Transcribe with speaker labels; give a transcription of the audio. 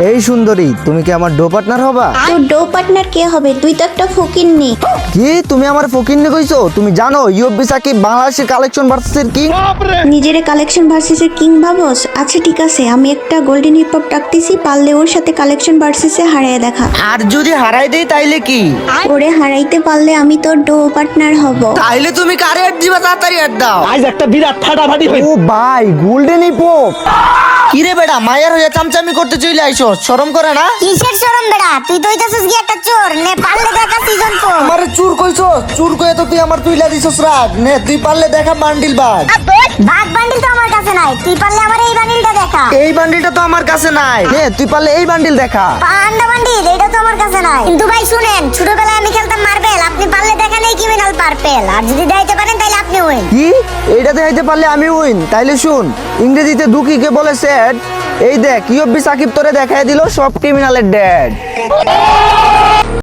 Speaker 1: এই সুন্দরী, তুমি কি আমার ডো পার্টনার হবা?
Speaker 2: তোর ডো পার্টনার কে হবে? তুই তো একটা ফকিন্নি।
Speaker 1: কি তুমি আমার ফকিন্নি কইছো? তুমি জানো ইউএফবি সাকিব বাংলাদেশের কালেকশন ভার্সেসের কিং।
Speaker 2: নিজের কালেকশন ভার্সেসের কিং ভাবস? আচ্ছা ঠিক আছে, আমি একটা গোল্ডেন হিপ হপ ডাকতেছি, পারলে ওর সাথে কালেকশন ভার্সেসে হারিয়ে দেখা।
Speaker 1: আর যদি হারাই দেই তাইলে কি?
Speaker 2: ওরে হারাইতে পারলে আমি তোর ডো পার্টনার হব।
Speaker 1: তাইলে তুমি কারে অ্যাড দিবা? তাড়াতাড়ি অ্যাড দাও।
Speaker 3: আজ একটা বিরাট ফাটাফাটি হই।
Speaker 1: ও ভাই, গোল্ডেন হিপ হপ। কিরে বেটা, মায়ের হয়ে চামচামি করতে চলে আইছো, শরম করে না?
Speaker 4: কিসের শরম বেড়া? তুই তো হইতাছিস কি একটা চোর। নে পারলে দেখা সিজন 4।
Speaker 1: আমারে চুর কইছো? চুর কয়ে তো তুই আমার তুইলা দিছস রাগ। নে তুই পারলে দেখা বান্ডিল বাগ।
Speaker 4: বাঘ বান্ডিল তো আমার কাছে নাই, তুই পারলে আমার এই বান্ডিলটা দেখা।
Speaker 1: এই বান্ডিলটা তো আমার কাছে নাই। নে তুই পারলে এই বান্ডিল দেখা।
Speaker 4: পান্ডা বান্ডিল এটা তো আমার কাছে নাই। কিন্তু ভাই শুনেন, ছোটবেলায় আমি খেলতাম মার্বেল, আপনি পারলে দেখা নেই ক্রিমিনাল পার্পেল। আর যদি দেখাইতে পারেন তাহলে আপনি উইন।
Speaker 1: কি? এইটা দেখাইতে পারলে আমি উইন? তাইলে শুন, ইংরেজিতে দুঃখীকে বলে স্যাড। এই দেখ ইউএফবি সাকিব তোরে দেখাই দিল সব ক্রিমিনালের ড্যাড।